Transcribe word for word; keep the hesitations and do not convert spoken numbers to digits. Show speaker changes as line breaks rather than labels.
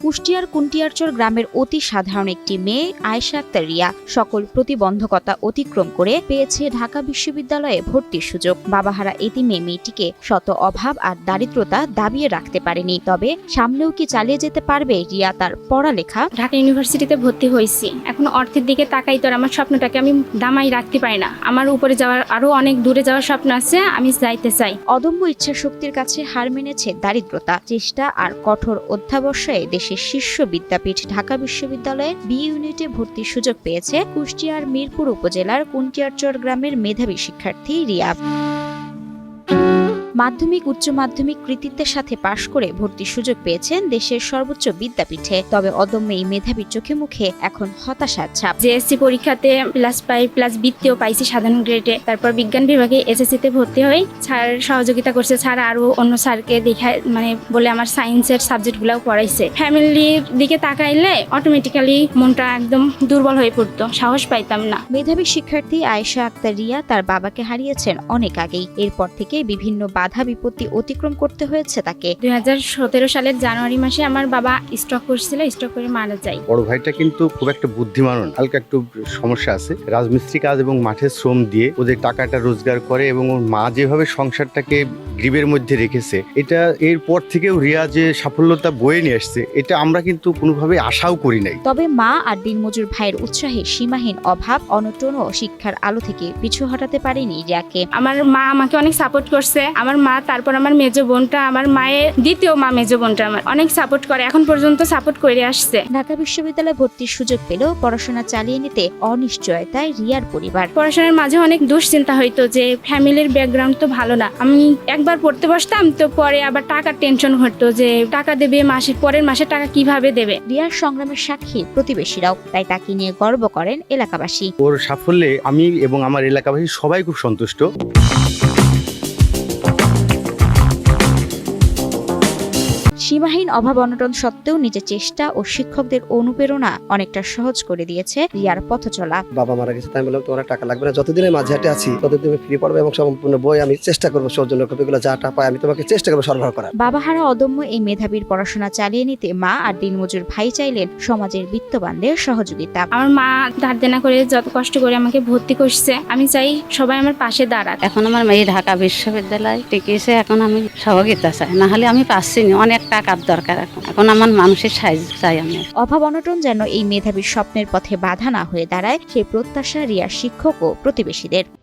কুষ্টিয়ার কুন্টিয়ারচর গ্রামের অতি সাধারণ একটি মেয়ে আয়েশা আক্তার রিয়া সকল প্রতিবন্ধকতা অতিক্রম করে পেয়েছে ঢাকা বিশ্ববিদ্যালয়ে ভর্তির সুযোগ। বাবাহারা এতিমে মেয়েটিকে শত অভাব আর দারিদ্রতা দাবিয়ে রাখতে পারেনি। তবে সামনেও কি চালিয়ে যেতে পারবে রিয়া তার পড়ালেখা?
ঢাকা ইউনিভার্সিটিতে ভর্তি হয়েছি, এখন অর্থের দিকে তাকাই তো আমার স্বপ্নটাকে আমি দামাই রাখতে পারি না। আমার উপরে যাওয়ার আরো অনেক দূরে যাওয়ার স্বপ্ন আছে, আমি যাইতে চাই।
অদম্য ইচ্ছা শক্তির কাছে হার মেনেছে দারিদ্রতা, চেষ্টা আর কঠোর অধ্যাবসায়ে দেশের শীর্ষ বিদ্যাপীঠ ঢাকা বিশ্ববিদ্যালয়ের বি ইউনিটে ভর্তির সুযোগ পেয়েছে কুষ্টিয়ার মিরপুর উপজেলার কুন্টিয়ারচর গ্রামের মেধাবী শিক্ষার্থী রিয়া। মাধ্যমিক উচ্চ মাধ্যমিক কৃতিত্বের সাথে পাশ করে ভর্তির সুযোগ পেয়েছেন দেশের সর্বোচ্চ বিদ্যাপীঠে। তবে অদম্য এই মেধাবীর চোখে মুখে এখন হতাশার ছাপ।
জেএসসি পরীক্ষাতে প্লাস পাই প্লাস বৃত্তিও পাইছি সাধারণ গ্রেডে। তারপর বিজ্ঞান বিভাগে এসএসসিতে ভর্তি হই। স্যার সহযোগিতা করছে, স্যার আরো অন্য স্যারকে দেখায় মানে বলে আমার সায়েন্সের সাবজেক্টগুলোও পড়াইছে। ফ্যামিলির দিকে তাকাইলে অটোমেটিক্যালি মনটা একদম দুর্বল হয়ে পড়তো, সাহস পাইতাম না।
মেধাবী শিক্ষার্থী আয়েশা আক্তার রিয়া তার বাবাকে হারিয়েছেন অনেক আগেই। এরপর থেকে বিভিন্ন বাধা বিপত্তি অতিক্রম করতে হয়েছে তাকে।
দুই হাজার সতেরো সালের জানুয়ারি মাসে আমার বাবা স্ট্রোক করছিল, স্ট্রোক করে মারা যায়।
বড় ভাইটা কিন্তু খুব একটা বুদ্ধিমান, হালকা একটু সমস্যা আছে। রাজমিস্ত্রি কাজ এবং মাঠের শ্রম দিয়ে ওদের টাকাটা রোজগার করে এবং ওর মা যেভাবে সংসারটাকে গ্রিবের মধ্যে রেখেছে, এটা এরপর থেকেও রিয়া যে সাফল্যতা বয়ে নিয়ে আসছে, এটা আমরা কিন্তু কোনোভাবে আশাও করি নাই।
তবে মা আর দিনমজুর ভাইয়ের উৎসাহে সীমাহীন অভাব অনটন ও শিক্ষার আলো থেকে পিছু হটাতে পারেনি রিয়াকে।
আমার মা আমাকে অনেক সাপোর্ট করছে। আমার মা, তারপর আমার মেজো বোনটা, আমার মায়ের দ্বিতীয় মা মেজো বোনটা আমার অনেক সাপোর্ট করে, এখন পর্যন্ত সাপোর্ট করে আসছে।
ঢাকা বিশ্ববিদ্যালয়ে ভর্তির সুযোগ পেলেও পড়াশোনা চালিয়ে নিতে অনিশ্চয়তায় রিয়ার পরিবার।
পড়াশোনার মাঝে অনেক দুশ্চিন্তা হইতো যে ফ্যামিলির ব্যাকগ্রাউন্ড তো ভালো না। আমি একবার পড়তে বসতাম তো পরে আবার টাকার টেনশন হতো যে টাকা দেবে মাসে, পরের মাসে টাকা কিভাবে দেবে।
রিয়ার সংগ্রামের সাক্ষী প্রতিবেশীরাও, তাই তাকে নিয়ে গর্ব করেন এলাকাবাসী।
ওর সাফল্যে আমি এবং আমার এলাকাবাসী সবাই খুব সন্তুষ্ট।
সীমাহীন অভাব অনটন সত্ত্বেও নিজের চেষ্টা ও শিক্ষকদের অনুপ্রেরণা অনেকটা সহজ করে দিয়েছে রিয়ার পথ চলা।
বাবা মারা গেছে, তাই বললাম তোমার টাকা লাগবে না, যতদিনে মাঝে হাটে আছি ততদিন ফ্রি পড়বে এবং সম্পূর্ণ বই আমি চেষ্টা করবো সৌজন্য কপিগুলো যাটা পাই আমি তোমাকে চেষ্টা করবো সরবরাহ করার।
বাবাহারা অদম্য এই মেধাবীর পড়াশোনা চালিয়ে নিতে মা আর দিনমজুর ভাই চাইলেন সমাজের বিত্তবানদের সহযোগিতা।
আমার মা ধার দেনা করে যত কষ্ট করে আমাকে ভর্তি করছে, আমি চাই সবাই আমার পাশে দাঁড়াক।
এখন আমার মেয়ে ঢাকা বিশ্ববিদ্যালয় টিকেছে, এখন আমি সহযোগিতা চাই, না হলে আমি পাচ্ছি না, অনেক টাকার দরকার। এখন এখন আমার মানুষের সাহায্য চাই আমি।
অভাব অনটন যেন এই মেধাবীর স্বপ্নের পথে বাধা না হয়ে দাঁড়ায়, সেই প্রত্যাশা রিয়ার শিক্ষক ও প্রতিবেশীদের।